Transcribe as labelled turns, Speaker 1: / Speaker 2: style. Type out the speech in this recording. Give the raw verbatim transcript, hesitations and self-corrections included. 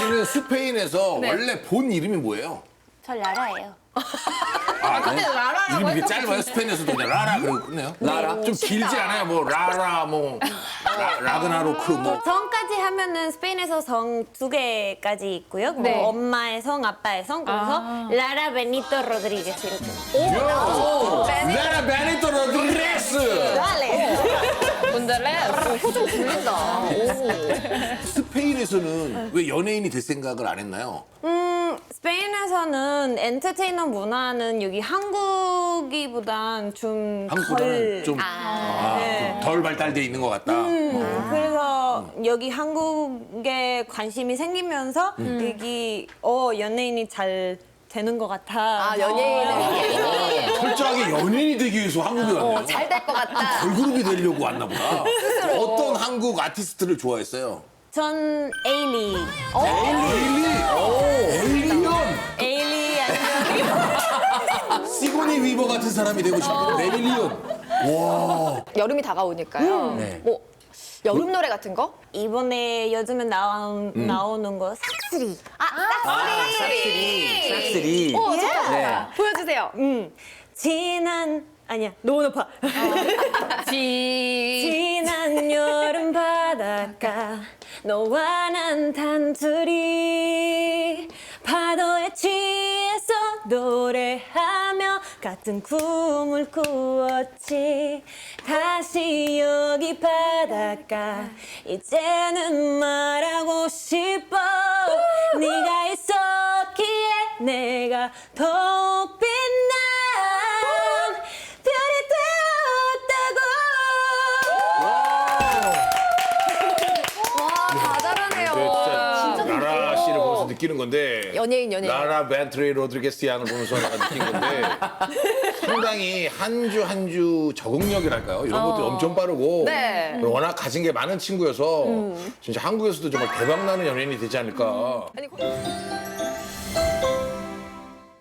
Speaker 1: 씨는 스페인에서
Speaker 2: 네.
Speaker 1: 원래 본 이름이 뭐예요?
Speaker 3: 저 라라예요.
Speaker 1: 아,
Speaker 2: 근데 라라라고
Speaker 1: 이름이 이게
Speaker 2: 했던
Speaker 1: 짧아요? 스페인에서도 그냥 라라 그러고 끝내요?
Speaker 4: 라라?
Speaker 1: 좀 길지 않아요? 뭐 라라 뭐 라, 라그나로크 뭐
Speaker 3: 성까지 하면은 스페인에서 성 두 개까지 있고요. 그리고
Speaker 2: 네.
Speaker 3: 엄마의 성, 아빠의 성. 그래서
Speaker 2: 아.
Speaker 3: 라라 베니토 로드리게스 이렇게.
Speaker 1: 요! 라라 베니토 로드리게스!
Speaker 3: 달래.
Speaker 2: 분들레 표정 들린다.
Speaker 1: 스페인에서는 왜 연예인이 될 생각을 안 했나요?
Speaker 3: 음, 스페인에서는 엔터테이너 문화는 여기 한국이보단 좀
Speaker 1: 한국보다는
Speaker 3: 덜.
Speaker 1: 좀 아,
Speaker 3: 네.
Speaker 1: 좀덜 발달돼 있는 것 같다.
Speaker 3: 음, 그래서 여기 한국에 관심이 생기면서 여기 어 연예인이 잘 되는 것 같아.
Speaker 2: 아 연예인은
Speaker 1: 철저하게 연예인이 되기 위해서 한국에 왔네요.
Speaker 2: 잘 될 것 같다.
Speaker 1: 걸그룹이 되려고 왔나 보다. 어떤 한국 아티스트를 좋아했어요?
Speaker 3: 전 에일리.
Speaker 1: 에일리! 에일리언!
Speaker 3: 에일리 아니면
Speaker 1: 시고니 위버 같은 사람이 되고 싶은데 에일리언.
Speaker 2: 여름이 다가오니까요.
Speaker 4: 네.
Speaker 2: 뭐 여름 노래 같은 거?
Speaker 3: 이번에 요즘에 나온, 나오는 거 싹쓸이.
Speaker 4: 싹쓸이. 싹쓸이.
Speaker 2: 어 좋다.
Speaker 4: 네.
Speaker 2: 보여주세요.
Speaker 3: 음. 지난 아니야 너무 높아.
Speaker 2: 지.
Speaker 3: 지난 여름 바닷가 너와 난 단둘이 파도에 취해서 노래하며 같은 꿈을 꾸었지. 다시 여기 바닷가 이제는 말하고 싶어. 네가 있었기에 내가 더 빛나 별이 되었다고.
Speaker 2: 와 다 잘하네요.
Speaker 1: 진짜 라라 씨를 보면서 느끼는 건데
Speaker 2: 연예인, 연예인.
Speaker 1: 라라 벤트리 로드리게스 양을 보면서 내가 느낀 건데 상당히 한 주 한 주 적응력이랄까요? 이런 것도 엄청 빠르고
Speaker 2: 네.
Speaker 1: 그리고 워낙 가진 게 많은 친구여서 진짜 한국에서도 정말 대박나는 연예인이 되지 않을까.
Speaker 2: 아니,